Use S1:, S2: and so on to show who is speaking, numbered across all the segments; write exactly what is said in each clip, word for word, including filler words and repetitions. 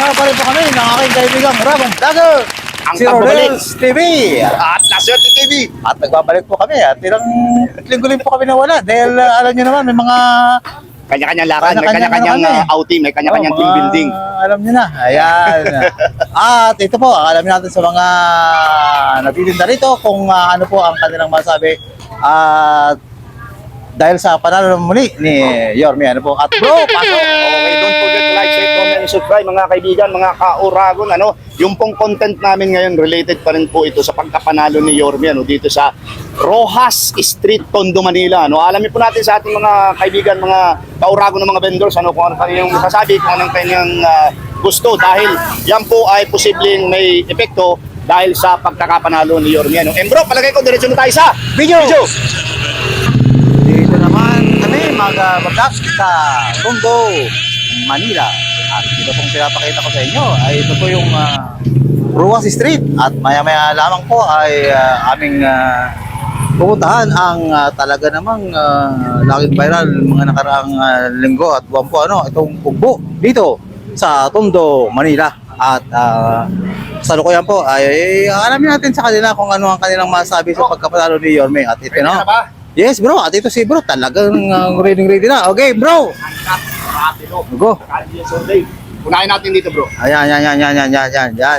S1: nga pa rin po kami ng aking kaibigang Ramon Vlogger,
S2: Ang
S1: si
S2: pagbabalik.
S1: Rodels T V.
S2: At Naswerte T V.
S1: At nagbabalik po kami at ilang linggo po kami nawala dahil uh, alam niyo naman may mga
S2: Kanya-kanyang lakad, may
S1: Kanya-kanyang
S2: kanya-kanyang
S1: ano kami.
S2: uh, outing, may kanya-kanyang
S1: oh,
S2: team
S1: mga-
S2: building.
S1: Alam niyo na. Ayan. At ito po, alam natin sa mga nagtitinda rito kung uh, ano po ang kanilang masabi. At dahil sa panalo muli ni Yorme, ano po. At bro, pasok!
S2: Okay, don't forget to like, share, comment, and subscribe mga kaibigan, mga ka-Uragon. Ano, yung pong content namin ngayon related pa rin po ito sa pagkapanalo ni Yorme ano, dito sa Rojas Street, Tondo, Manila. Ano, alamin po natin sa ating mga kaibigan, mga ka-Uragon ng mga vendors, ano, kung ano kanilang masasabi, kung anong kanyang uh, gusto. Dahil yan po ay posibleng may epekto dahil sa pagkakapanalo ni Yorme. Ano. And bro, palagay ko, diretso na tayo sa
S1: Video!
S2: video.
S1: Dito naman kami mag-vlog sa Tondo, Manila. At ito pong pinapakita ko sa inyo ay ito po yung uh, Ruas Street. At maya-maya lamang po ay uh, aming uh, pupuntahan ang uh, talaga namang uh, laging viral mga nakaraang uh, linggo at buwan po ano, itong Ugbo dito sa Tondo, Manila. At uh, sa lukuyan po ay alamin natin sa kanila kung ano ang kanilang masabi sa pagkapanalo ni Yorme. At ito
S2: Ready
S1: no.
S2: na ba?
S1: Yes bro, at ito si bro talagang uh, ready ready na. Okay bro. Go.
S2: Sunday. Unahin natin dito bro.
S1: Ayan, yan, yan, yan, yan, yan, yan, yan.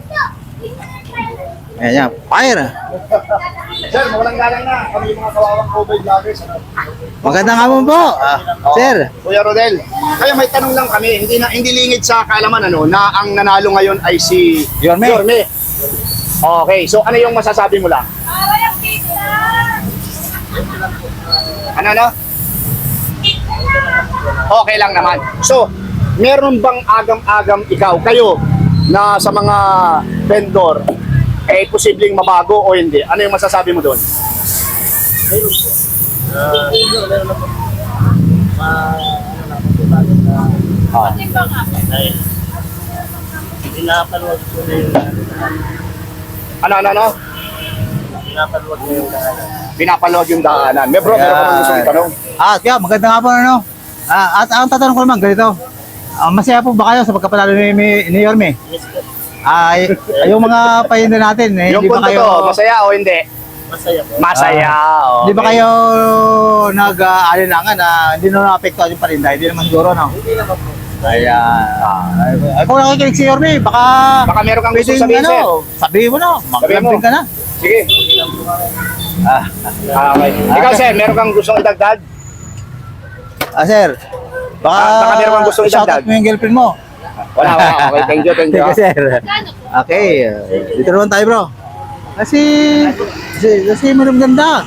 S1: Ayan, yan. Fire.
S2: Sir, mawalang galang na. Kami yung mga kawawang COVID vloggers. Ano?
S1: Magandang hapon po. Ah, sir.
S2: Kuya Rodel, kaya may tanong lang kami, hindi na hindi lingid sa kaalaman ano, na ang nanalo ngayon ay si
S1: Yorme.
S2: Yorme. Okay, so ano yung masasabi mo lang? Ano ano? Okay lang naman. So, meron bang agam-agam ikaw, kayo, na sa mga vendor, eh posibleng mabago o hindi? Ano yung masasabi mo doon? Ah.
S3: Pinapanood ko na yung
S2: Ano, ano, ano?
S3: pinapanood ko yung daanan.
S2: Pinapanood yung daanan. May bro, meron ka bang gusto itanong?
S1: At yeah, magandang hapon ano. Ah, at ang tatanong ko naman ganito. Ah, masaya po ba kayo sa pagkapanalo ni, ni, ni Yorme?
S3: Yes, sir.
S1: Ay, yung mga pahinda natin, eh,
S2: Yung
S1: hindi ba
S2: punto
S1: kayo
S2: to, masaya o hindi?
S3: Masaya po.
S2: Masaya.
S1: Di ba
S2: okay.
S1: kayo nag-aalinlangan na hindi na naapektuhan yung paninda? Hindi naman siguro, no?
S3: Hindi naman po.
S1: Ayan. Ay, ay, kung nakikinig si Yorme, baka...
S2: Baka meron kang gusto
S1: pwedeng,
S2: sabihin, sir.
S1: ano, sabihin mo na, maglambing ka na.
S2: Sige.
S1: Ah,
S2: Ah, okay. Ikaw, sir, meron kang gustong idagdag?
S1: ah, sir, baka,
S2: Ah, baka meron kang gustong
S1: shoutout
S2: idagdag.
S1: mo yung girlfriend mo.
S2: Wala, wala. Okay, thank you, thank you.
S1: Thank you, sir. Okay, uh, dito naman tayo, bro. Kasi, kasi, kasi meron ganda.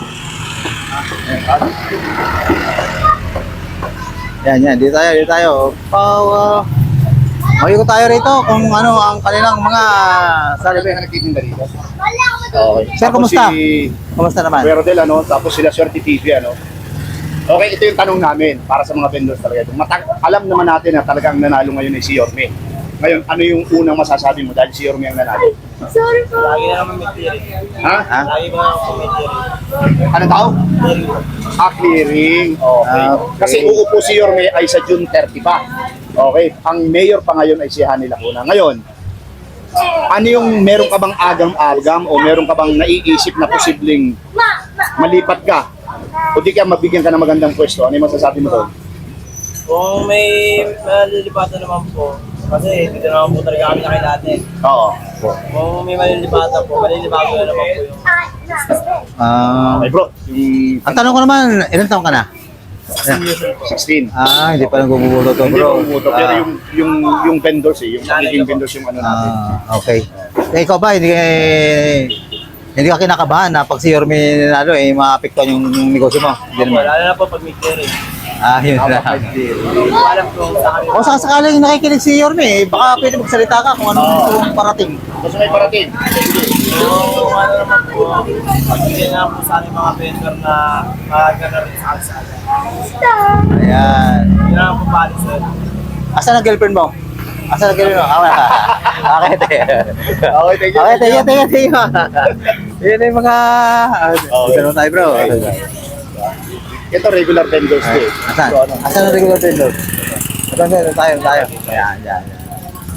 S1: Yan, yan, dito tayo, dito tayo. Pau, uh, Makikot tayo rito kung ano ang kanilang mga
S2: Sabi
S1: sarili.
S2: ka nagtitinda dito.
S1: Okay. Sir,
S2: Tapos
S1: kumusta?
S2: Si
S1: Kumusta naman?
S2: Kuya Rodel, ano? Tapos sila Swerte T V, ano? Okay, ito yung tanong namin para sa mga vendors talaga. Matag alam naman natin na talagang nanalo ngayon ay si Yorme. Ngayon, ano yung unang masasabi mo dahil si Yorme ang nanalo?
S3: Sorry po. Lagi na naman may clearing.
S2: Ha?
S1: Ha?
S3: Lagi ko naman po may clearing.
S2: Ano tao?
S3: Clearing po.
S2: Ah, clearing. Okay.
S1: Ah, okay.
S2: Kasi uupo si Yorme ay sa June thirty pa. Okay. Ang mayor pa ngayon ay si Hani Lacuna. Ngayon, ano yung meron ka bang agam-agam o meron ka bang naiisip na posibleng malipat ka? O di kaya mabigyan ka ng magandang pwesto? Ano yung masasabi mo doon?
S3: Kung may malilipatan naman po, kasi dito naman po talaga kami nakilate.
S2: Oo.
S3: Kung may malilipatan po, malilipatan na naman po yung...
S1: Ah,
S2: Okay bro, yung
S1: ang tanong ko naman, ilang taon ka na?
S2: sixteen.
S1: Ah, hindi pa nang gumugulo to,
S2: Hindi
S1: bro.
S2: ba umuto? Pero
S1: Ah,
S2: yung, yung, yung vendors eh, yung magiging vendors yung ano natin.
S1: ah, okay. Eh, ikaw ba, hindi, hindi ka kinakabahan na pag si Yorme nanalo, eh, maapektuhan yung, yung negosyo mo? Hindi naman.
S3: Lalo na po pag may clearing.
S1: Ah, yun na.
S3: Hindi ko alam kung saan kami.
S1: O sa sakaling nakikinig si Yorme, eh, baka pwede magsalita ka kung anong gusto mong parating.
S2: Gusto may parating?
S3: So, ano naman po, pagbigyan na po sa aming mga vendor na mahalaga na rin sa kalsada.
S1: Ayan.
S3: Yun naman po pala, sir.
S1: Asan ang girlfriend mo? Asan ang girlfriend mo? Ah, wala. Okay, te.
S2: Okay, thank you.
S1: Okay, thank you, thank you, thank you. Yun na yung mga... Uh, Dito naman tayo, bro.
S2: Ito regular vendors to eh.
S1: Asan?
S2: So, ano?
S1: Asan ang regular vendor? Ito, ito, tayo, tayo. Ayan, ayan, ayan.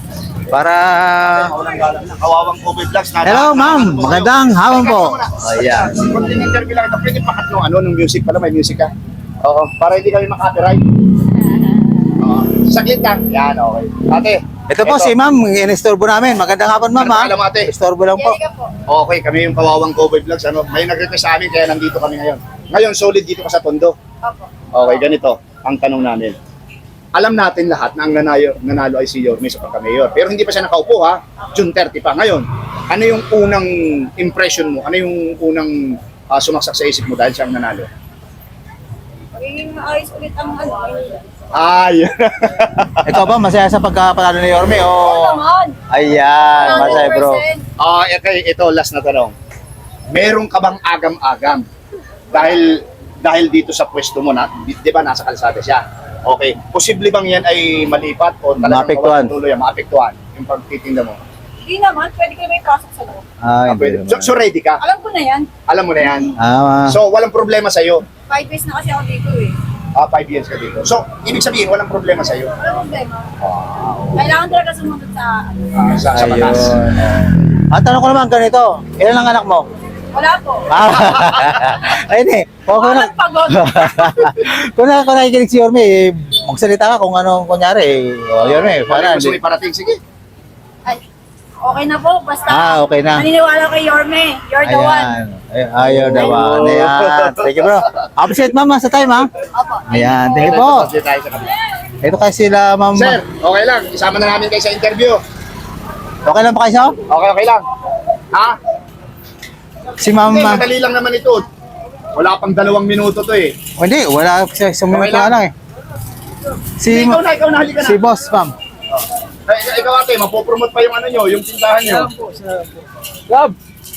S1: Para...
S2: Walang galang na. Kawawang Kobe Vlogs. Nada-
S1: Hello, ma'am.
S2: Nada-
S1: Magandang hapon po. Ayan.
S2: Konting interview lang ito. Pwede pakat nung ano, nung music pala. May music ka. Oo. Para hindi kami makapiright. Oo. Saglit lang. Yan, okay. Ate.
S1: Ito po si ma'am, inistorbo namin. Magandang hapon, ma'am.
S2: Ano
S1: ha?
S2: pangalan mo, ate?
S1: Istorbo lang po.
S4: Jerica po.
S2: Okay, kami yung Kawawang Kobe Vlogs. Ano, may nag-request sa amin kaya nandito kami ngayon. Ngayon, solid dito ka sa Tondo.
S4: Opo.
S2: Okay, ganito. Ang tanong namin. Alam natin lahat na ang nanalo, nanalo ay si Yorme sa pagka-mayor. Pero hindi pa siya nakaupo ha. June thirty pa. Ngayon, ano yung unang impression mo? Ano yung unang ah, sumaksak sa isip mo dahil siya ang nanalo?
S4: Magiging maayos ulit ang ano.
S2: Ay!
S1: Ikaw ba, masaya sa pagkapanalo ni Yorme?
S4: Oo
S1: O...
S4: naman.
S1: Ayan, masaya bro.
S4: one hundred percent.
S2: Ah, okay, ito last na tanong. Meron ka bang agam-agam? Dahil dahil dito sa pwesto mo na, di, di ba nasa kalsada siya? Okay. Posible bang yan ay malipat o talagang
S1: Maapektuhan.
S2: mawalan tuloy, maapektuhan yung pagtitinda mo?
S4: Hindi naman, pwede kayo may pasok sa loob.
S1: Ah,
S2: Ah,
S1: hindi
S2: pwede.
S1: naman.
S2: So, so ready ka?
S4: Alam ko na yan.
S2: Alam mo na yan?
S1: Ah,
S2: So walang problema sa'yo?
S4: Five days na kasi ako dito eh.
S2: Ah, five years ka dito. So, ibig sabihin, walang problema sa'yo?
S4: Walang problema.
S2: Ah,
S4: Kailangan talaga sumunod sa ano.
S2: ah, sa, sa
S1: ayun.
S2: batas.
S1: Ang tanong ko naman ganito, ilan ang anak mo?
S4: Wala po.
S1: Ah, ayun eh. Kung, kung,
S4: Walang pagod.
S1: kung, na, kung nakikinig si Yorme, eh, magsalita ka kung anong kunyari. Eh. O, Yorme,
S2: Wala
S1: para.
S2: gusto mo iparating, sige.
S4: Ay, okay na po. Basta
S1: Ah, okay na.
S4: naniniwala kay Yorme. You're the one.
S1: Ayan. Ay, ayaw the one. Ayan. Thank you bro. Appreciate ma'am sa time ha.
S4: Opo.
S1: Ayan. Thank you
S2: Ito,
S1: po.
S2: ito, tayo sa kabila.
S1: Ito kasi sila ma'am.
S2: Sir, okay lang. Isama na namin kayo sa interview.
S1: Okay lang ba kayo sir?
S2: Okay, okay lang. Ha?
S1: Si ma'am.
S2: Hindi,
S1: ah,
S2: madali lang naman ito. Wala pang dalawang minuto to eh.
S1: oh, hindi, wala sa sumunod
S2: Okay
S1: na
S2: lang.
S1: lang eh. Si,
S2: Hindi, ikaw na, ikaw na, halika na.
S1: si boss ma'am.
S2: Ay, ikaw ate, mapopromote pa yung ano nyo, yung tindahan nyo.
S1: Love.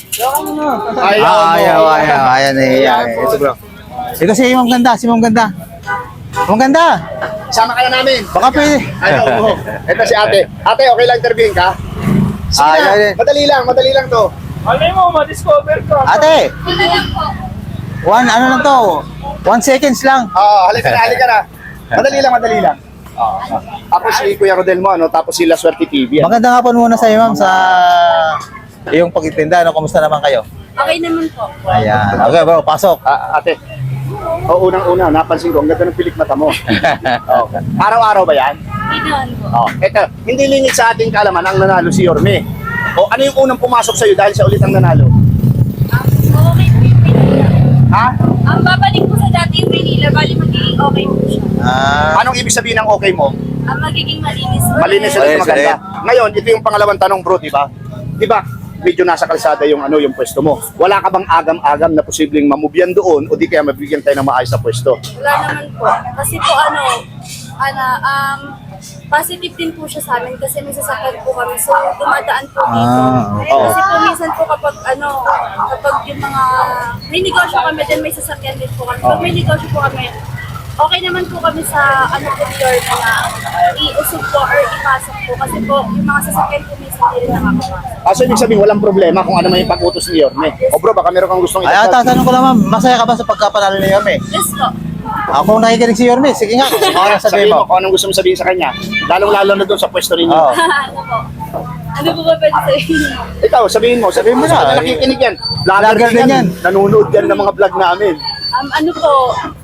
S2: Ayaw mo.
S1: Ah, ayaw, ayaw. Ayan eh. Ayan eh. Ito bro. Ito si ma'am ganda. Si ma'am ganda. Ma'am ganda.
S2: Sama ka na namin.
S1: Baka pwede.
S2: Ayaw mo. Ito si ate. Ate, okay lang interviewin ka? Sige
S1: Ah,
S2: na.
S1: yan, yan.
S2: Madali lang, madali lang to.
S3: Alay mo, ma-discover ko.
S1: Ate,
S4: Ano lang po.
S1: one ano lang to. One seconds lang.
S2: Oo, halika na, halika na. Madali lang, madali lang. Oo. Ako si Kuya Rodel mo, ano, tapos si La Suerte T V. Ano?
S1: Magandang hapon muna sa iyo ma'am sa iyong pagtitinda. Ano, kumusta naman kayo?
S4: Okay naman po.
S1: Ayan. Okay bro, pasok.
S2: Ah, ate, o unang-una, napansin ko, ang ganda ng pilik mata mo. Okay. Araw-araw ba yan?
S4: Hindi naman po.
S2: Oh, eto, hindi lingit sa ating kaalaman ang nanalo si Yorme. O ano yung unang pumasok sa'yo dahil siya ulit ang nanalo?
S4: Um, okay po yung Manila.
S2: Ha?
S4: Ang babalik po sa dati yung Manila, bali magiging okay po siya.
S1: Ah,
S2: Anong ibig sabihin ng okay mo?
S4: Ang magiging malinis ulit.
S2: Malinis ulit,
S1: Malinis
S2: maganda.
S1: ulit.
S2: Ngayon, ito yung pangalawang tanong bro, di ba? Di ba? Medyo nasa kalsada yung ano yung pwesto mo. Wala ka bang agam-agam na posibleng mamubyan doon o di kaya mabigyan tayo ng maayos na pwesto?
S4: Wala naman po. Kasi po ano, ano, um, positive din po siya sa amin kasi may sasakyan po kami. So, dumadaan po dito.
S1: Ah,
S2: okay.
S4: Kasi po minsan po kapag ano, kapag yung mga, may negosyo kami din, may sasakyan din po kami. Pag may negosyo po kami, okay naman po kami sa ano po your na iusog po or ipasok po. Kasi po, yung mga sasakyan po minsan hindi rin nakakapasok.
S2: Ah, so ibig sabihin, walang problema kung ano man yung pag-utos ni Yorme. O bro, baka meron kang gustong
S1: ay,
S2: idagdag?
S1: tatanong ko lang ma'am, masaya ka ba sa pagkapanalo ni Yorme?
S4: Yes po.
S1: Ako nakikinig si Yorme, sige nga. Ano sabihin
S2: Sabihin mo
S1: mo?
S2: kung anong gusto mo sabihin sa kanya. Lalong-lalo na doon sa pwesto ninyo.
S1: Oo.
S4: ano po? Ano po ba pwede sabihin?
S2: Ikaw, sabihin mo. Sabihin mo
S1: Sabihin mo
S2: na.
S1: na.
S2: Nakikinig yan.
S1: Vlogger
S2: Vlogger
S1: din
S2: din
S1: yan.
S2: yan. Nanonood yan ng mga vlog namin.
S4: Um, ano po,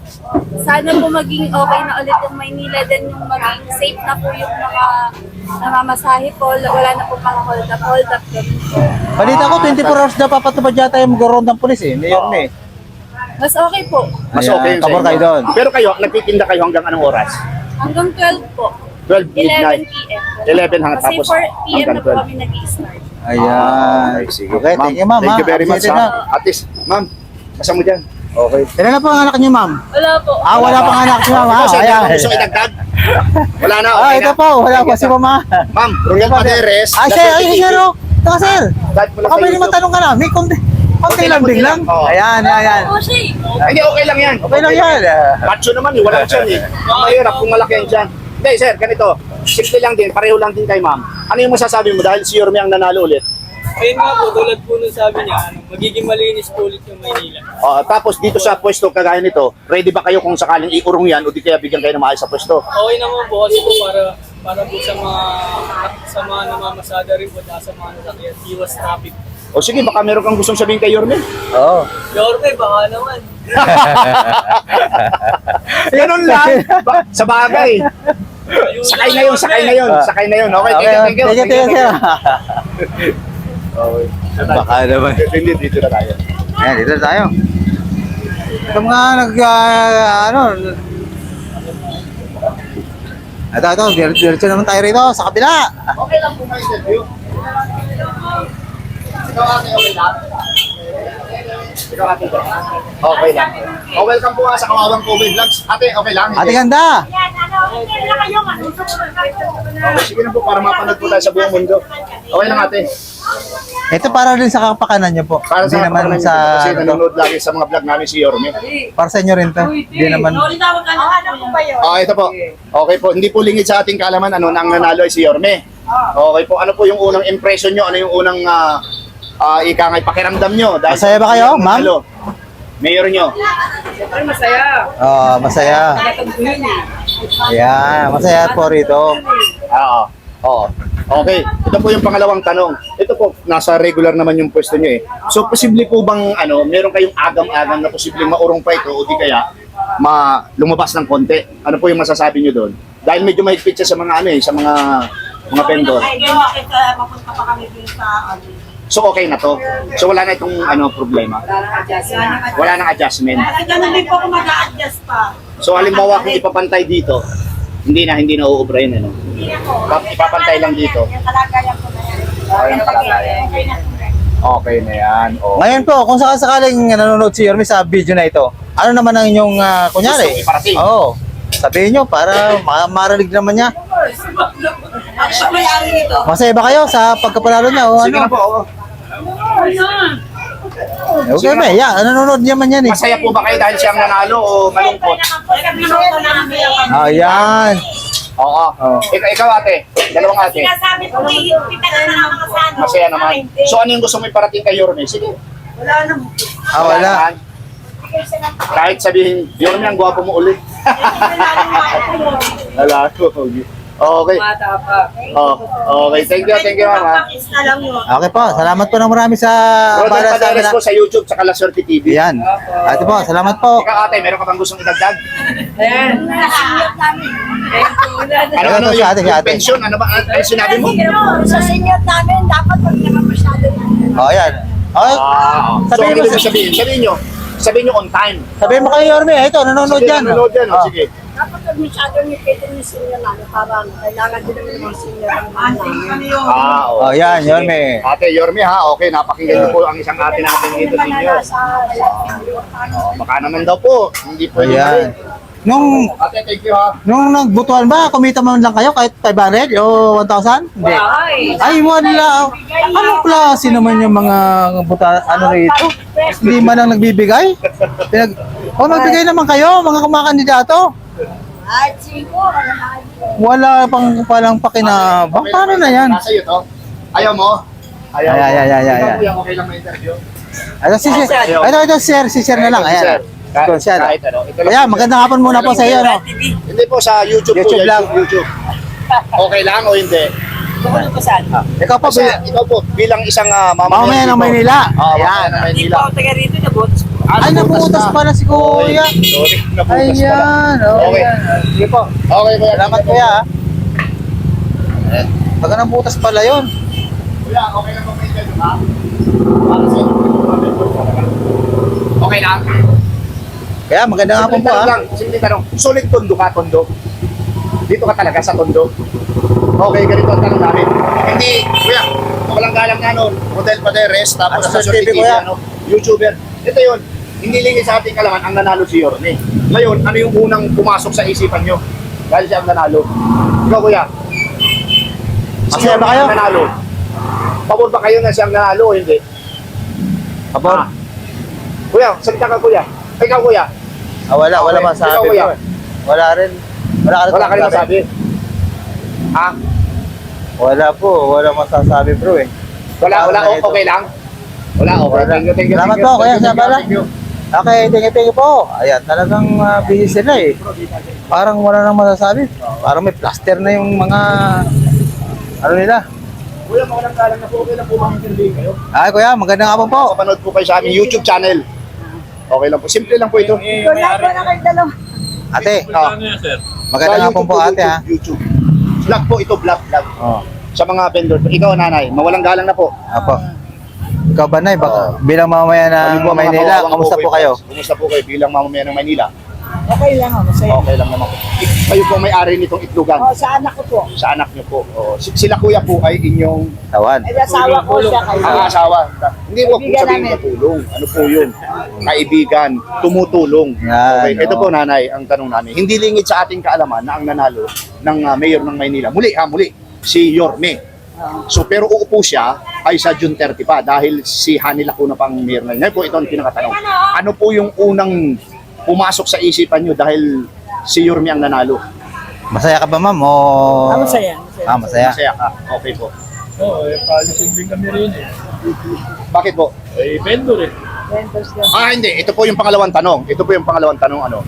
S4: sana po maging okay na ulit yung Maynila din yung maging safe na po yung mga namamasahe po. Wala na po mga hold up, hold up ganun po.
S1: Balita ko, twenty-four hours na papatupad yata yung mag-round ng polis eh. Ni Yorme.
S4: Mas okay po.
S2: Mas
S1: Ayan,
S2: okay yun sa
S1: pabor
S2: inyo.
S1: kayo doon.
S2: Pero kayo, nagtitinda kayo hanggang anong oras?
S4: Hanggang twelve po.
S2: twelve
S4: eleven
S2: midnight.
S4: p m
S2: eleven hanggang
S4: Kasi
S2: tapos
S4: four p m na
S2: hanggang
S4: po
S2: twelve.
S4: kami nag-i-start.
S1: Ayan.
S2: Okay, sige.
S1: Okay,
S2: Ma'am,
S1: thank you ma'am.
S2: Thank you
S1: ha.
S2: very much.
S1: Appreciate
S2: Ha? At least, ma'am, kasa mo dyan. Okay.
S1: Ilan na po ang anak niyo ma'am?
S4: Wala po.
S1: Ah, wala pang anak niyo ma'am.
S2: Ikaw,
S1: ha?
S2: sir,
S1: Ayan.
S2: meron gusto idagdag? Wala na,
S1: Ah,
S2: okay
S1: ito
S2: na.
S1: po. Wala po si mama.
S2: Ma'am, Royal Paderes.
S1: Ah, sir, ay, sir, oh. Taka, sir.
S2: Kahit mo lang
S1: Baka
S2: sa
S1: pwede
S2: YouTube.
S1: matanong ka na. May konti. Konti
S2: Konti lang,
S1: lambing
S2: konti
S1: lang.
S2: lang. Oo.
S1: Ayan, ayan.
S4: Oh, siya.
S2: Hindi, okay lang yan.
S1: Okay lang yan.
S2: Macho naman eh, walang tiyan eh. Ang mahirap kung malaki yan dyan. Hindi, sir, ganito. Simple lang din, pareho lang din kay ma'am. Ano yung masasabi mo dahil si Yorme ang nanalo ulit?
S3: Ayun nga po, tulad po nung sabi niya, ano, magiging malinis po ulit yung Maynila.
S2: Ah, tapos dito sa pwesto kagaya nito, ready ba kayo kung sakaling iurong yan o di kaya bigyan kayo ng maayos sa pwesto?
S3: Okay naman po kasi po para
S5: para po sa mga sa mga namamasada rin po at sa mga nasakyan, iwas traffic.
S2: O sige, baka meron kang gustong sabihin kay Yorme.
S1: Oo.
S5: Yorme, baka naman.
S2: Ganun lang. Ba- sa bagay. Sakay na yun, sakay na yun, sakay na yun. Okay, thank you, thank you.
S1: Thank you, thank you.
S2: Okay.
S1: Baka naman.
S2: Hindi, dito na tayo.
S1: Ayan, dito na tayo. Ito mga nag, ah, ano, ito, ito, dir- diretso naman tayo rito, sa kabila.
S2: Okay lang po may interview. Ikaw ate, okay lang? Ikaw ate, okay lang. Oh, welcome po nga sa Kawawang Kobe Vlogs. Ate, okay lang?
S1: Ate ganda!
S4: Yan, ano, hindi na kayo manusok.
S2: Okay, sige na po para mapanood po tayo sa buong mundo. Okay lang ate.
S1: Ito para rin sa kapakanan nyo po.
S2: Para
S1: Hindi
S2: sa
S1: naman
S2: naman
S1: sa,
S2: kasi
S1: ano,
S2: nanonood lagi sa mga vlog namin si Yorme.
S1: para sa inyo rin to. Hindi naman.
S4: Ano po ba yun?
S2: Ah, ito po. Okay po, hindi po lingid sa ating kaalaman ano nang nanalo ay si Yorme. Okay po, ano po yung unang impression nyo? Ano yung unang uh, uh, ika ngay pakiramdam nyo? Dahil
S1: Masaya ba kayo,
S2: yung
S1: ma'am?
S2: nanalo? Mayor nyo?
S5: Ay, masaya.
S1: Oh, masaya.
S5: Natagpuin eh.
S1: Ayan, masaya po rito.
S2: Oo. Oo. Okay, ito po yung pangalawang tanong. Ito po, nasa regular naman yung pwesto nyo eh. So, posible po bang, ano, meron kayong agam-agam na posibleng maurong pa ito o di kaya ma lumabas ng konti? Ano po yung masasabi nyo doon? Dahil medyo mahigpit siya sa mga, ano eh, sa mga mga vendor.
S4: Mapunta pa kami dun sa ano.
S2: So, okay na to. So, wala na itong, ano, problema. Wala nang adjustment.
S4: Kasi ganun din po kung mag-a-adjust pa.
S2: So, halimbawa, kung ipapantay dito, hindi na, hindi na uubra yun, ano?
S4: Hindi na po.
S2: Pap- ipapantay lang dito.
S4: Yung kalagayan ko na yan.
S2: Okay na kalagayan.
S4: Okay na po.
S2: Okay na yan. Oh.
S1: Ngayon po, kung sakasakaling nanonood si Yorme sa video na ito, ano naman ang inyong, ah, kunyari?
S2: Gusto iparating.
S1: Oo. Sabihin nyo para ma- marinig naman niya.
S4: Siya may-ari nito.
S1: Masaya ba kayo sa pagkapanalo niya o
S2: Sige
S1: ano?
S2: na po. oh.
S1: Okay ba? Yeah, nanonood naman yan eh.
S2: Masaya po ba kayo dahil siyang nanalo o malungkot?
S4: Minuto na kami.
S1: Ayan.
S2: Oo.
S1: Oo.
S2: Ikaw, ikaw ate, dalawang ate.
S4: Sinasabi ko, kita na ng mga sano.
S2: Masaya naman. So ano yung gusto mo iparating kay Yorme? Sige.
S4: Wala na.
S1: Ah, wala.
S2: naman. Kahit sabihin, Yorme, ang gwapo mo ulit. Wala ko. Okay.
S5: Mata pa.
S2: Oh, okay. Thank you, thank you, mama.
S1: Okay po, salamat po ng marami sa
S2: Rodel
S1: para sa
S2: Padares po sa YouTube, sa La Suerte T V.
S1: Yan. Ate po, salamat po.
S2: Ikaw ate, meron ka bang gustong idagdag?
S5: Ayan.
S2: Ano, ano,
S1: si
S2: yung,
S1: ate, si
S2: yung
S1: ate.
S2: pension, ano ba, ano ano sinabi mo?
S4: Sa senior namin, dapat wag naman masyado yan.
S1: Oh, yan. Okay.
S2: Ah, so,
S1: Sabihin
S2: ano
S1: mo
S2: ibig
S1: sa-
S2: sabihin? Sabihin nyo, sabihin nyo on time.
S1: Sabihin mo kay Yorme, ito, nanonood
S2: Sabihin,
S1: yan.
S2: nanonood yan, oh,
S1: Oh.
S2: sige.
S4: Dapat wag masyado yung kayo yung senior namin. Parang kailangan din naman ng mga senior ang mga namin.
S2: Ah,
S1: Oh, yan,
S2: Sige.
S1: Yorme.
S2: Ate Yorme ha, okay, napakinggan niyo po ang isang ate natin dito sa inyo. Oh, baka naman daw po, hindi po
S1: Ayan. Nung
S2: Ate, thank you ha.
S1: nung nagbutuan ba, kumita man lang kayo kahit five hundred o one thousand? Hindi.
S5: Ay.
S1: Ay, wala. Anong klase naman yung mga buta, ano rito? Hindi man lang nagbibigay? Pinag o nagbigay naman kayo, mga kumakandidato.
S4: Ay, siguro.
S1: Wala pang palang pakinabang. Paano na yan?
S2: Nasa iyo to. Ayaw mo? Ayaw.
S1: Ay, ay, ay, ay, ay,
S2: Ikaw,
S1: ay.
S2: kuya, okay lang ma-interview?
S1: Ito, si, si, ito, ito, share, si share na lang.
S2: Sir,
S1: Ayan. Ito,
S2: kahit,
S1: share.
S2: kahit ano. Ito lang.
S1: Ayan, magandang hapon muna po sa iyo, no?
S2: Hindi po sa YouTube,
S1: YouTube
S2: po.
S1: lang.
S2: YouTube, YouTube. Okay lang o hindi?
S1: Ikaw po,
S2: Kasi ikaw po, bilang isang uh,
S1: mamamayan ng Maynila.
S2: Oh,
S1: Ayan.
S2: mamamayan ng Maynila.
S5: taga rito, nabotas po.
S2: Ah,
S1: Ay, nabutas
S2: na.
S1: pala si Kuya.
S2: Sorry, nabutas pala.
S1: Ayan,
S2: Okay.
S1: okay. Sige po.
S2: Okay, kuya.
S1: Salamat kuya. Baga nang butas pala yun.
S2: Kuya, okay lang ba may interview ha? Para sa inyo. Okay lang?
S1: Kaya magandang hapon po
S2: Simple
S1: ah.
S2: lang, simple tanong. Solid tondo ka, tondo? Dito ka talaga sa tondo? Okay, ganito ang tanong namin. Hindi, kuya, walang galang nga nun. Rodel Padares, tapos
S1: Ano
S2: sa
S1: sa
S2: Sorte
S1: T V,
S2: T V,
S1: kuya?
S2: ano, YouTuber. Ito yun, hindi lingid sa ating kalaman ang nanalo si Yorme. Ngayon, ano yung unang pumasok sa isipan nyo? Dahil siya ang nanalo. Ikaw, kuya. Si
S1: Masaya ba
S2: Yorme
S1: kayo?
S2: ang nanalo. Pabor ba kayo na siyang nanalo o hindi?
S1: Kapon.
S2: Ah. Kuya, salita ka kuya. Ikaw kuya.
S1: Ah, wala, wala
S2: Okay.
S1: masabi
S2: Ikaw, kuya.
S1: bro. Wala rin. Wala ka rin
S2: Wala ka rin
S1: masasabi.
S2: masabi. Ha?
S1: Wala po, wala masasabi bro eh.
S2: Wala, wala.
S1: Paano na
S2: O- okay lang? Wala, okay.
S1: Wala.
S2: Thank you, thank you.
S1: Salamat
S2: thank you.
S1: po, kuya,
S2: Thank you,
S1: sa bala.
S2: thank you.
S1: Okay, thank you, thank you po. Ayan, talagang uh, busy sila eh. Parang wala nang masasabi. Parang may plaster na yung mga ano nila.
S2: Kuya, mawalang galang na po. Okay lang po bang interview kayo?
S1: Ay kuya, magandang hapon po.
S2: Kapanood po kayo sa aming YouTube channel. Okay lang po. Simple lang po ito.
S4: Wala po na kayo dalawa.
S1: Ate, oh,
S5: Ano yan, sir?
S1: magandang
S2: Sa
S1: hapon
S2: YouTube
S1: po ate ha.
S2: YouTube. Vlog po ito, vlog, vlog.
S1: Oh,
S2: Sa mga vendor. Ikaw, nanay, mawalang galang na po.
S1: apo. Ikaw ba na baka bilang mamamayan
S2: Kami
S1: ng
S2: po, mga
S1: Maynila,
S2: kawawang
S1: kamusta po kayo?
S2: Kumusta po kayo bilang mamamayan ng Maynila?
S6: Okay lang ako, masaya.
S2: Okay lang naman po. Ik- Kayo po may-ari nitong itlogan.
S6: Oh, sa anak ko po.
S2: Sa anak niyo po. Oh, si- sila kuya po ay inyong
S1: Tawan.
S6: Ay, asawa ko siya kayo.
S2: ang asawa. Hindi po kung
S6: Kaibigan
S2: sabihin
S6: namin.
S2: matulong. Ano po yun? Kaibigan, tumutulong.
S1: Yan,
S2: Okay, ito
S1: oo.
S2: po nanay, ang tanong namin. Hindi lingid sa ating kaalaman na ang nanalo ng ah, mayor ng Maynila. Muli ha, muli. Si Yorme. So pero uupo siya ay sa June thirty pa dahil si Hani Lacuna pang mayor na. Ngayon po ito ang pinakatanong. Ano po yung unang pumasok sa isipan nyo dahil si Yorme ang nanalo?
S1: Masaya ka ba ma'am o?
S6: Ah, masaya, masaya.
S1: Ah, masaya.
S2: Masaya ka. Okay po.
S5: Oo, eh, palisin din kami rin eh.
S2: Bakit po?
S5: Eh, vendor eh.
S6: Vendors lang.
S2: Ah, hindi. Ito po yung pangalawang tanong. Ito po yung pangalawang tanong. Ano?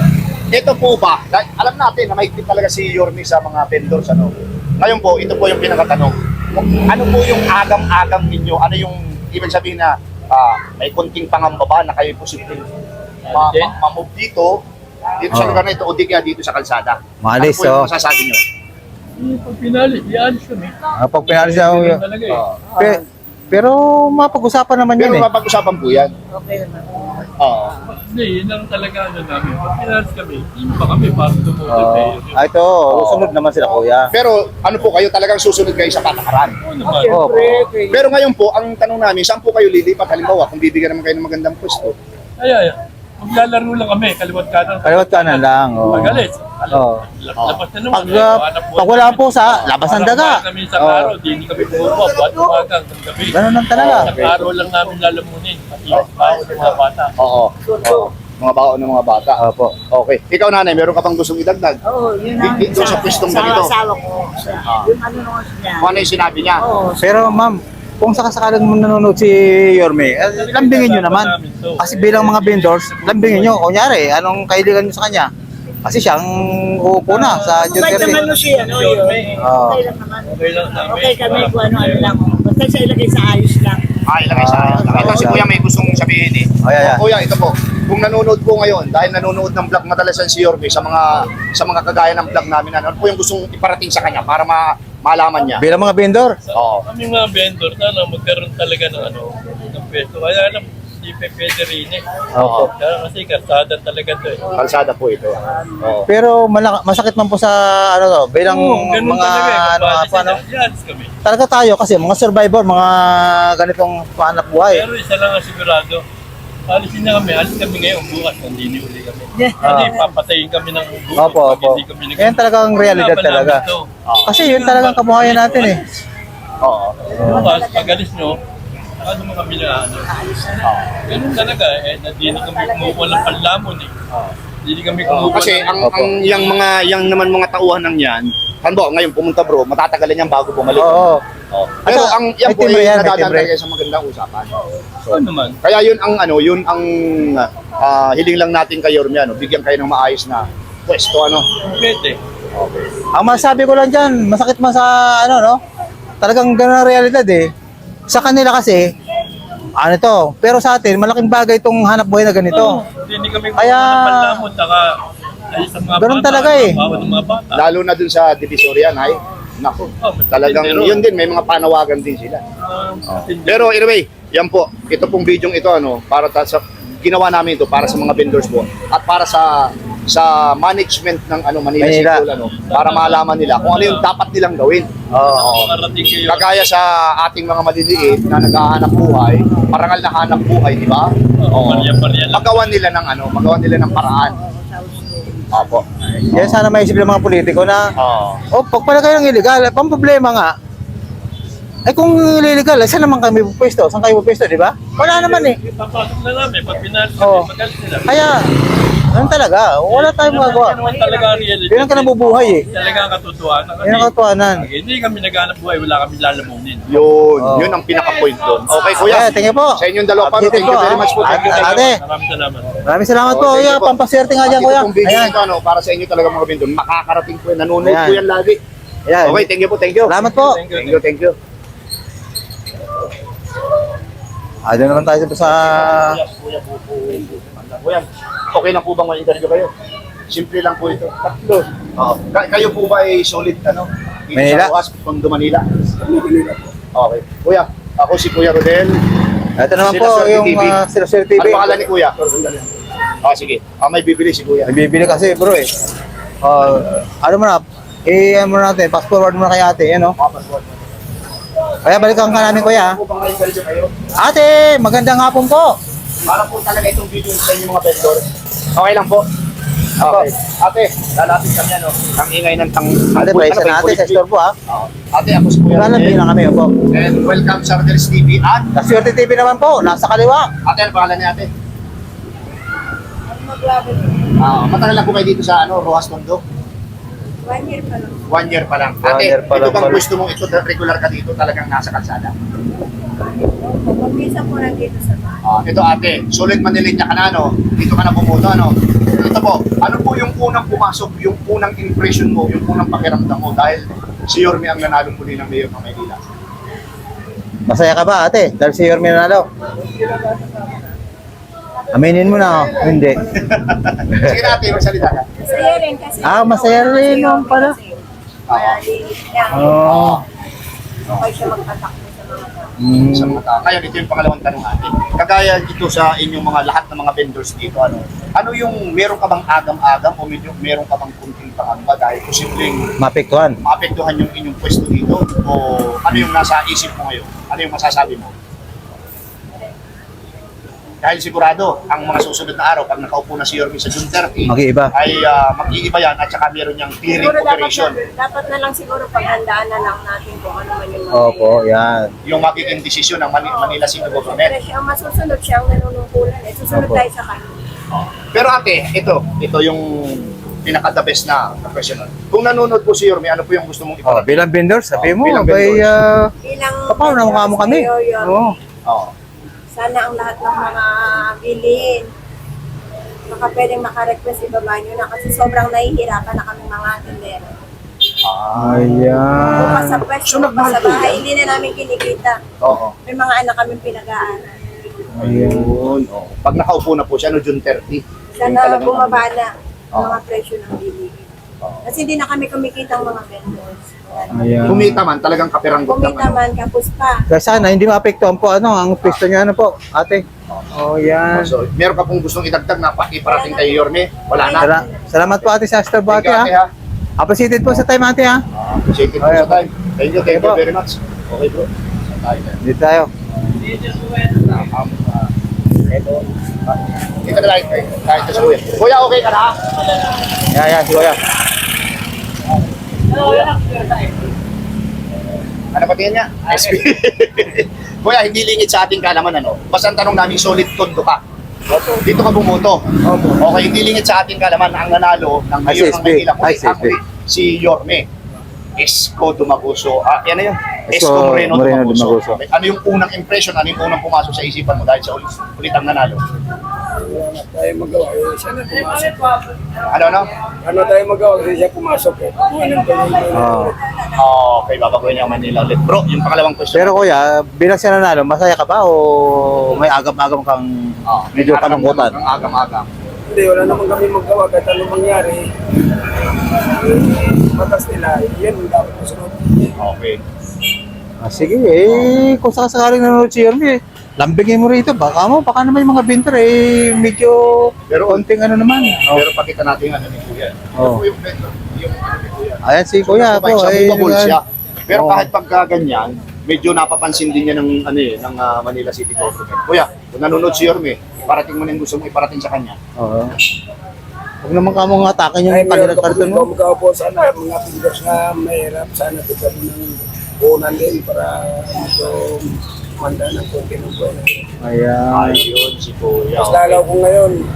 S2: Ito po ba? dahil Alam natin na mahigpit talaga si Yorme sa mga vendors. Ano? Ngayon po, ito po yung pinakatanong. Ano po yung agam-agam ninyo? Ano yung ibig sabihin na ah, may konting pangamba ba na kayo posibleng ma- ma- ma-move dito, dito sa
S1: Oo.
S2: lugar na ito o di kaya dito sa kalsada?
S1: Maalis,
S2: ano po yung
S1: oh.
S2: masasabi nyo?
S5: Yung pag pinali, i-alis kami.
S1: Ah, pag pinalis ako,
S5: Ganun talaga eh.
S2: Oo.
S1: Pe- pero mapag-usapan naman
S2: Pero
S1: yun eh.
S2: mapag-usapan po yan.
S6: Okay naman.
S2: Oo.
S5: Hindi, yun ang talaga ano namin. Pag pinalis kami, hindi pa kami para tumutol
S1: Oo.
S5: eh.
S1: Ah, ito, sunod naman sila kuya.
S2: Pero ano po kayo talagang susunod kayo sa patakaran?
S5: Oo naman.
S1: Oo.
S6: Siyempre,
S2: Pero ngayon po, ang tanong namin, saan po kayo lilipat? Halimbawa, kung bibigyan naman kayo ng magandang pwesto.
S5: Ay, ay, maglalaro lang kami, kaliwat kanan.
S1: Kaliwat kanan lang, oo.
S5: Magalit.
S1: Oo.
S5: Labas na naman.
S1: Pag,
S5: eh,
S1: uh,
S5: hanap buhay
S1: pag wala
S5: namin.
S1: po sa labas ng daga.
S5: Parang kami sa
S1: Oo.
S5: araw, di hindi kami bumubuha. Buwan umaga hanggang gabi.
S1: Ganun lang talaga.
S5: Sa araw lang namin lalamunin. Pati baon ng mga bata.
S2: Oo. Oo. Mga baon ng mga bata.
S1: Opo.
S2: Okay. Ikaw nanay, meron ka pang gustong idagdag?
S6: Oo, yun ang
S2: Dito sa pwestong
S6: sa
S2: ganito.
S6: asawa ko.
S2: Ah.
S6: Yung ano nung niya.
S2: Kung ano yung sinabi niya?
S6: Oo,
S1: Pero ma'am, kung sakasakalang nanonood si Yorme, eh, lambingin nyo naman. Kasi bilang mga vendors, lambingin nyo. Kunyari, anong kailigan nyo sa kanya? Kasi siyang uupo na sa June
S6: Kahit naman
S1: thirty.
S6: no siya, ano yun.
S1: Oo.
S6: Okay lang naman.
S5: Okay lang namin.
S6: Okay kami kung ano-ano lang. Basta siya ilagay sa ayos lang.
S2: Ah, ilagay sa ayos lang. Ito si Kuya may gustong sabihin eh.
S1: Oh, yeah, yeah.
S2: Kuya, ito po. Kung nanonood po ngayon, dahil nanonood ng vlog madalasan si Yorme sa mga sa mga kagaya ng vlog namin, ano po yung gustong iparating sa kanya para ma malaman niya?
S1: Bilang mga vendor.
S2: Oo.
S5: Kami mga vendor, sana magkaroon talaga ng ano, ng pwesto. Kaya alam, hindi pa pwede rin eh.
S1: Opo.
S5: Kaya kasi karsada talaga to eh.
S2: Kalsada po ito. Oo.
S1: Pero malak- masakit man po sa ano to, bilang
S5: Oo, ganun
S1: mga
S5: talaga eh.
S1: ano nga
S5: Kapag
S1: po, ano.
S5: i-alis kami.
S1: Talaga tayo kasi mga survivor, mga ganitong pahanap buhay.
S5: Pero isa lang ang sigurado. Alisin na kami, alis kami ngayon, bukas, hindi uli kami.
S1: Ah.
S5: Kasi papatayin kami ng bukas.
S1: Opo,
S5: pag
S1: opo.
S5: hindi kami nag-
S1: Yan talagang realidad
S5: Laban
S1: talaga.
S5: namin to.
S1: Kasi yun talagang kabuhayan natin eh.
S2: Oo.
S5: Bukas, pag alis nyo, ano mo kami na ano. Ganun talaga eh, na di kami kumukuha ng panlamon eh. Hindi kami
S2: Oo,
S5: kumukuha
S2: kasi
S5: ng-
S2: ang ang yang mga yang naman mga tauhan ng yan, ano ngayon pumunta bro, matatagalan yan bago bumalik.
S1: Oo.
S2: Oo. Pero
S1: At,
S2: ang yan
S1: may
S2: po
S1: timbre
S2: ay
S1: yan, may
S2: nadadaan
S1: timbre.
S2: talaga sa magandang usapan.
S5: Oo naman.
S2: Kaya yun ang ano, yun ang ah, hiling lang natin kay Yorme, ano, bigyan kayo ng maayos na pwesto ano.
S5: Pwede.
S1: Ang masabi ko lang dyan, masakit man sa ano no, talagang ganun ang realidad eh. Sa kanila kasi, ano to, pero sa atin, malaking bagay itong hanap buhay na ganito.
S5: Oo, hindi kami kumukuha
S1: Kaya-
S5: ng panlamon. Saka, ay, sa mga
S1: Ganun
S5: bata,
S1: talaga eh.
S5: bawat ng mga bata.
S2: Lalo na dun sa Divisoria, ay nako.
S5: Oh, mas
S2: Talagang
S5: matindi ron.
S2: yun din, may mga panawagan din sila.
S5: Ah, matindi.
S2: Pero anyway, yan po, ito pong video ito ano, para ta- sa ginawa namin ito para sa mga vendors po at para sa sa management ng ano Manila,
S1: Manila.
S2: City Hall, ano, para malaman nila kung ano yung dapat nilang gawin.
S1: Oo.
S5: Makarating kayo.
S2: Kagaya sa ating mga maliliit na naghahanap buhay, parangal na hanap buhay, di ba?
S5: Oo, Maria-Maria lang.
S2: Magawan nila ng ano, magawan nila ng paraan. Opo.
S1: Kaya sana maisip ng mga politiko na,
S2: Oo.
S1: oh, pag pala kayo ng illegal, pang problema nga, ay kung illegal, saan naman kami pupwesto? Saan kayo pupwesto, di ba? Wala naman eh.
S5: Papasok na namin. Pag pinalis
S1: Oo.
S5: kami, magalit sila.
S1: Kaya, Ganun talaga. Wala tayong magagawa.
S5: Yan naman talaga ang reality.
S1: Yun ang ka nabubuhay eh.
S5: Talaga ang katotohanan.
S1: Yun ang katotohanan.
S5: Pag hindi kami naghanap buhay, wala kami lalamunin.
S2: Yun,
S1: Oh.
S2: yun ang pinaka-point doon. Okay, kuya.
S1: Okay, thank you po.
S2: Sa inyong dalawa pa,
S1: Appreciate
S2: thank you
S1: po,
S2: very
S1: ah.
S2: much po. Thank you, thank you.
S1: Ate,
S5: Maraming salamat.
S1: maraming salamat po.
S2: Oh, thank
S1: Kuya,
S2: you po.
S1: pampaswerte nga
S2: At
S1: dyan,
S2: ito
S1: kuya.
S2: pong video
S1: Ayan.
S2: nito, ano, para sa inyo talaga mga bindon. Makakarating po yan. Nanonood
S1: Ayan.
S2: po yan lagi.
S1: Ayan.
S2: Okay, thank you po, thank you.
S1: Salamat po.
S5: Thank you.
S2: Thank you, thank you.
S1: Ah, doon naman tayo sa...
S2: Kuya, po po. Kuya, okay na po bang ma-interview kayo? Simple lang po ito. Tatlo. Oo. Ka- kayo po ba ay solid, ano? Dito
S1: Manila?
S2: Sa Rojas, Tondo, Manila? Manila po. Okay. Kuya, ako si Kuya Rodel.
S1: Ito naman po
S2: Sila Sir
S1: yung
S2: T V.
S1: uh, Sir Sir T V.
S2: Ano pangalan ni Kuya? Ah, sige. Ah, may bibili si Kuya.
S1: Bibili kasi bro eh. Uh, ano mo na, i-ano mo natin, fast forward mo na kay ate, ano?
S2: Mapasword.
S1: Kaya balikan ka namin kuya.
S2: Ano po bang ma-interview kayo?
S1: Ate, magandang hapon po.
S2: Para po talaga itong video sa inyo mga vendor. Okay lang po. Okay. Ate, lalapit kami ano. Ang ingay ng tang...
S1: Ate,
S2: ano,
S1: price na
S2: may
S1: natin
S2: kulit
S1: sa store po ha.
S2: Oo. Ate, ako si Kuya
S1: Lalapin
S2: Rodel.
S1: na kami po.
S2: And welcome sa Rodel's T V. At,
S1: Sa Swerte T V naman po, nasa kaliwa.
S2: ate, ano pangalan ni ate? Ah, matagal lang po kayo dito sa ano, Rojas, Tondo?
S4: One year pa lang.
S2: One year pa lang.
S1: One
S2: Ate,
S1: year pa
S2: ito
S1: lang
S2: bang
S1: pala.
S2: gusto mo ito, regular ka dito, talagang nasa kalsada?
S4: Pag-visa po nandito sa bahay.
S2: Ah, ito ate, sulit Manilinya ka na, no? Dito ka na bumuto, ano? Ito po, ano po yung unang pumasok, yung unang impression mo, yung unang pakiramdam mo dahil si Yorme ang nanalong muli ng Mayor ng Maynila?
S1: Masaya ka ba ate? Dahil si Yorme nanalo. Aminin mo na, oh. Hindi.
S2: Sige na ate, magsalita ka.
S4: Masaya rin kasi.
S1: Ah, masaya rin naman pala.
S4: Kaya linis niya.
S1: Oo.
S4: Okay siya magpatakbo sa mga tao.
S1: Mm.
S2: Sa mga tao. Ngayon, ito yung pangalawang tanong natin. Kagaya dito sa inyong mga lahat ng mga vendors dito, ano, ano yung meron ka bang agam-agam o medyo meron ka bang kunting pangamba dahil posibleng
S1: Mapiktuhan.
S2: maapektuhan yung inyong pwesto dito o ano yung nasa isip mo ngayon? Ano yung masasabi mo? Dahil sigurado, ang mga susunod na araw, pag nakaupo na si Yorme sa June thirty,
S1: Mag-iiba.
S2: ay uh, mag-iiba yan at saka meron niyang clearing
S4: Siguro dapat
S2: operation.
S4: na, dapat na lang siguro paghandaan na lang natin kung ano man yung mga
S1: Opo, yan.
S2: Yung magiging desisyon ng Mani- Manila City
S4: Pero
S2: Government.
S4: siya ang masusunod, siya ang nanunungkulan. Eh, susunod
S1: Opo.
S4: tayo sa kanya.
S2: Pero ate, ito, ito yung pinaka-the best na professional. Kung nanonood po si Yorme, ano po yung gusto mong
S1: Oh,
S2: iparating?
S1: bilang vendor, sabi
S2: Oh,
S1: mo,
S2: bilang
S1: bay,
S2: vendors.
S1: ah,
S4: Bilang
S1: paano na mukha mo kami?
S4: Yo, yo.
S1: Oo.
S2: Oo.
S4: Sana ang lahat ng mga bilhin, baka pwedeng makarequest, ibaba nyo na kasi sobrang nahihirapan na kami mga tindero.
S2: Ah,
S1: Ayan.
S4: Bukas sa pwesto,
S2: So,
S4: bukas
S2: nagmahal
S4: sa
S2: po
S4: bahay,
S2: yan?
S4: hindi na namin kinikita.
S2: oo.
S4: May mga anak kami pinag-aaral.
S1: Ayan.
S2: Yun, oo. Pag nakaupo na po siya, no, June thirty. yun
S4: Sana
S2: talagang-
S4: bumaba na ang
S2: Oo.
S4: mga presyo ng bilihin. Kasi hindi na kami kumikita ang mga vendors.
S1: Ayan.
S2: Kumita man, talagang kapiranggot lang.
S4: Kumita
S2: Ano.
S4: man, kapos pa.
S1: Kaya sana, hindi maapektuhan po, ano, ang pwesto niya, ano po, ate. Oh, yan.
S2: So, meron ka pong gustong idagdag na pa- iparating kay Yorme? Wala na.
S1: Sala- Salamat po ate sa Astor
S2: Thank
S1: Bati,
S2: you,
S1: ha.
S2: ate, ha.
S1: Appreciated po sa time, ate, ha.
S2: Ah, Appreciate it po
S1: Okay,
S2: sa time. Thank you, thank
S1: Okay
S2: you
S1: po.
S2: very much. Okay bro. Tayo.
S1: Dito tayo.
S2: Um, ah, ito. Ah, Dito na lang kayo. Kahit sa kuya. Kuya, okay ka na? ha?
S1: Yan, yan, si Kuya.
S2: Ano pa tingin niya? S P. Kuya, hindi lingid sa ating kalaman ano. Basta ang tanong namin, solid tondo ka. Dito ka bumoto. Okay, hindi lingid sa ating kalaman ang nanalo ng
S1: Ay,
S2: mayor
S1: si
S2: ng
S1: S P.
S2: Maynila.
S1: Ay,
S2: Kundi
S1: si S P.
S2: ang huli, si Yorme. Esco Dumaguso. Ah, yan na yun.
S1: Esco
S2: Esco Moreno,
S1: Moreno
S2: Dumaguso.
S1: Dumaguso.
S2: Okay. Ano yung unang impression? Ano yung unang pumasok sa isipan mo dahil sa ulit, ulit ang nanalo?
S7: tayo magawa. Eh, siya na pumasok.
S2: Ano, ano?
S7: Ano tayo magawa kasi siya pumasok eh. Ano tayo?
S1: Oh.
S2: Okay, babaguhin niya ang Manila ulit. Bro, yung pangalawang question.
S1: Pero Kuya, bilang siya nanalo, masaya ka ba o may agam-agam kang
S2: Ah,
S1: medyo kalungkutan?
S2: Ang agam-agam.
S7: Hindi, wala naman kami magawa kahit ano mangyari. Matas nila, yan ang dapat masunod.
S2: Okay.
S1: Ah, sige, eh, kung sakasakaling nanonood si Yorme, lambingin mo rito. Baka mo, baka naman yung mga binter eh, medyo
S2: Pero-
S1: konting ano naman. Oh.
S2: Pero pakita natin ano ni Kuya.
S1: Oh.
S2: Ano po yung vendor? Yung ano ni Kuya.
S1: Ayan si Kuya
S2: Sa
S1: po.
S2: sa
S1: Eh,
S2: movable siya. Pero
S1: Oo.
S2: kahit pagka ganyan, medyo napapansin din niya ng ano eh, ng ah, Manila City Government. Kuya, kung nanonood si Yorme, parating mo na yung gusto mo iparating sa kanya.
S1: Oo. Huwag naman ka mong atakin yung
S7: Ay, meron
S1: kanilang
S7: ka
S1: karton
S7: po
S1: mo.
S7: magawa po sana, mga fingers na mahirap. Sana bigyan mo ng punan din para medyo manda ng konti ng buwan.
S1: Ayan.
S2: Ayun, si Kuya.
S7: Mas lalaw ko ngayon,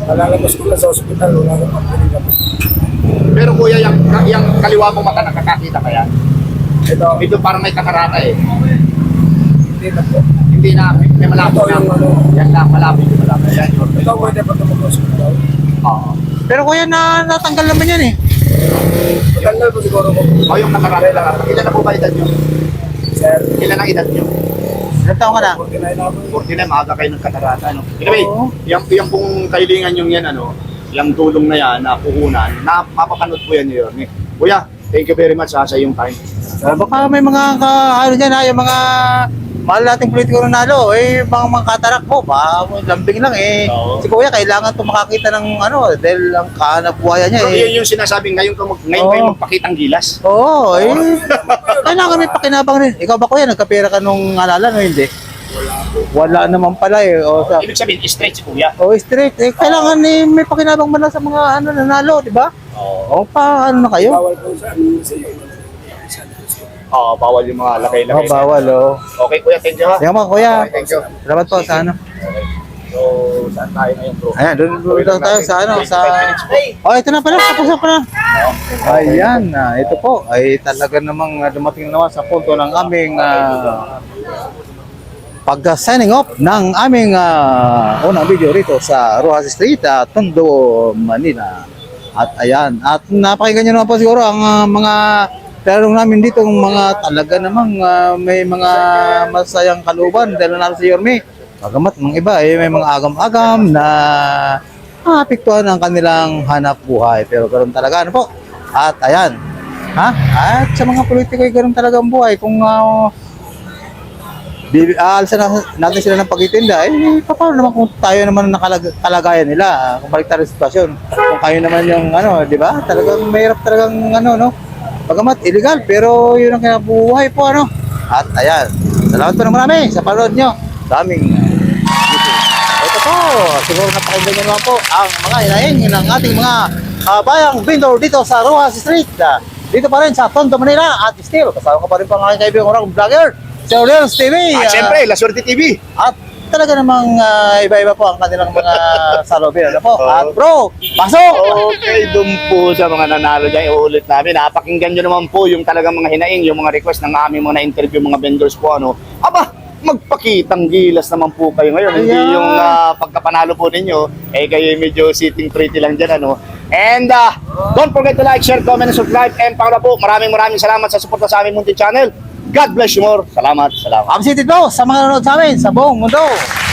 S7: Nalalabas ko na sa ospital, wala na pang pinigamot.
S2: Pero kuya, yung, yung kaliwa mong mata nakakakita ka yan.
S7: Ito,
S2: Ito parang may katarata eh.
S7: hindi na po.
S2: Hindi na, may malapit
S7: Ito
S2: na.
S7: yung ano.
S2: Yan lang, malapit yung malapit. Yan, yun.
S7: Ito, pwede pa ito mag-hospital.
S2: Oo.
S1: Pero kuya, na, natanggal naman yan eh.
S7: Matanggal po siguro ko.
S2: O yung katarata lang. Ilan na po ba edad nyo?
S7: Sir,
S2: Ilan ang edad nyo?
S1: Ilang taon ka na?
S7: forty-nine na po.
S2: forty-nine, maaga kayo ng katarata. Ano? Anyway,
S1: Oo.
S2: yung, yung pong kailingan yung yan, ano, yung tulong na yan, na puhunan, na mapapanood po yan yun. Eh. Kuya, thank you very much ha, sa iyong time.
S1: Uh, baka may mga ka, ano dyan ha, yung mga mahal nating politiko na nalo, eh, mga mga katarak mo, ba, lambing lang eh.
S2: Oo.
S1: Si Kuya, kailangan ito makakita ng ano, dahil ang kanabuhayan niya
S2: Pero
S1: eh.
S2: yun yung sinasabi, ngayon, ka mag, ngayon
S1: Oo.
S2: kayo magpakitang gilas.
S1: Oo, eh. Kailangan may pakinabang rin. Ikaw ba Kuya, nagkapera ka nung alala no, hindi? Wala naman pala eh. O, sa,
S2: Ibig sabihin, straight si kuya.
S1: o straight, eh, kailangan eh, may pakinabang man lang sa mga ano, nanalo, di ba?
S2: Oo.
S1: O pa, ano na kayo?
S7: Bawal po sa ano sa iyo.
S2: Oo, bawal yung mga
S1: O,
S2: lagay-lagay.
S1: bawal, o.
S2: Okay, kuya, thank you ha.
S1: Sige mga Kuya,
S2: Okay, thank you.
S1: salamat po sa ano.
S2: So, saan tayo ngayon, bro?
S1: Ayan, doon doon lang tayo sa ano, sa... Oh, ito na pala, tapos na pala. Ayan, na ito po, ay talaga namang ah, dumating naman sa punto ng aming ah, pag-signing off ng aming ah, unang video rito sa Rojas Street, ah, Tondo, Manila. At ayan, at napakinggan nyo naman po siguro ang ah, mga tanong namin dito, ng mga talaga namang ah, may mga masayang kaluban dahil nanalo si Yorme. Bagamat mga iba eh, may mga agam-agam na maapektuhan ang kanilang hanap buhay. Pero ganoon talaga, ano po? At ayan, ha? At sa mga politiko ay ganoon talaga ang buhay. Kung uh, aalsa na, natin sila ng pagtitinda, eh, paano naman kung tayo naman ang nakalag- kalagayan nila, ah, kung balik tayo sa sitwasyon. Kung kayo naman yung, ano, di ba? Talagang mahirap talagang, ano, no? Bagamat illegal, pero yun ang kinabuhay po, ano? At ayan, salamat po ng marami sa panood nyo. Daming uh, ito po, siguro napakinggan nyo naman po ang mga inaing ng ating mga uh, bayang vendor dito sa Rojas Street. Uh, dito pa rin sa Tondo, Manila. At still, kasama ko pa rin po ang aking kaibigang orang vlogger, si Orleans T V.
S2: At
S1: uh,
S2: syempre, La Suerte T V.
S1: At talaga namang uh, iba-iba po ang kanilang mga salobin. Ano po? At bro, pasok!
S2: Okay, doon po sa mga nanalo dyan, iuulit namin. Napakinggan nyo naman po yung talagang mga hinaing, yung mga request ng aming mga na-interview, mga vendors po. Ano. Aba, magpakitang gilas naman po kayo ngayon. Hindi
S1: Ayan.
S2: yung uh, pagkapanalo po ninyo, eh kayo medyo sitting pretty lang dyan. Ano. And uh, don't forget to like, share, comment, and subscribe. And para po, maraming maraming salamat sa suporta sa aming munting channel. God bless you more. Salamat. Salamat.
S1: Updated po sa mga nanonood sa amin sa buong mundo.